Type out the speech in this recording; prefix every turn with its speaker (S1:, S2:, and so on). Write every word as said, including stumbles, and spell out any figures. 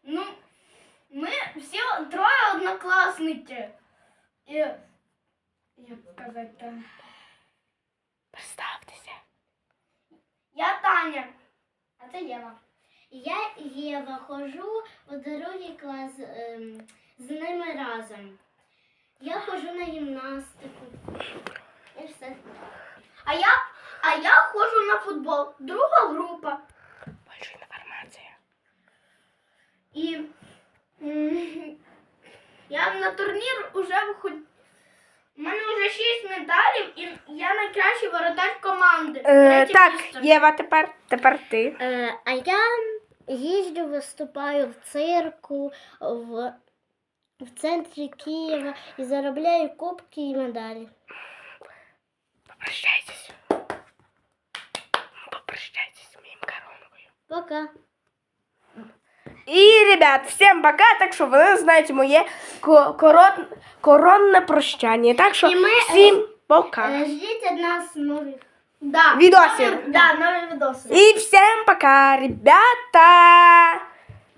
S1: Ну, ми всі троє однокласники. І, як сказати,
S2: Представтеся.
S1: я Таня, а це Єва.
S3: Я Єва, ходжу у другий клас ем, з ними разом. Я ходжу на гімнастику. І все.
S1: А я, а я ходжу на футбол. Друга група.
S2: Більше інформації.
S1: І м, я на турнір уже виходжу. У мене вже шість медалів, і я найкращий воротар команди.
S2: Е,
S1: Третє
S2: так,
S1: місце.
S2: Єва, тепер, тепер ти.
S3: Е, а я їжджу, виступаю в цирку, в, в центрі Києва і заробляю кубки і медалі.
S2: Попрощайтесь. Попрощайтесь з моїм коронкою.
S3: Пока.
S2: І, ребят, всім пока, так що ви знаєте моє ко- корон... коронне прощання. Так що
S3: І ми,
S2: всім пока.
S3: Е, ждіть від нас нових.
S1: Да.
S2: Відосів.
S1: Нові- Да, нові відоси.
S2: І всім пока, ребята.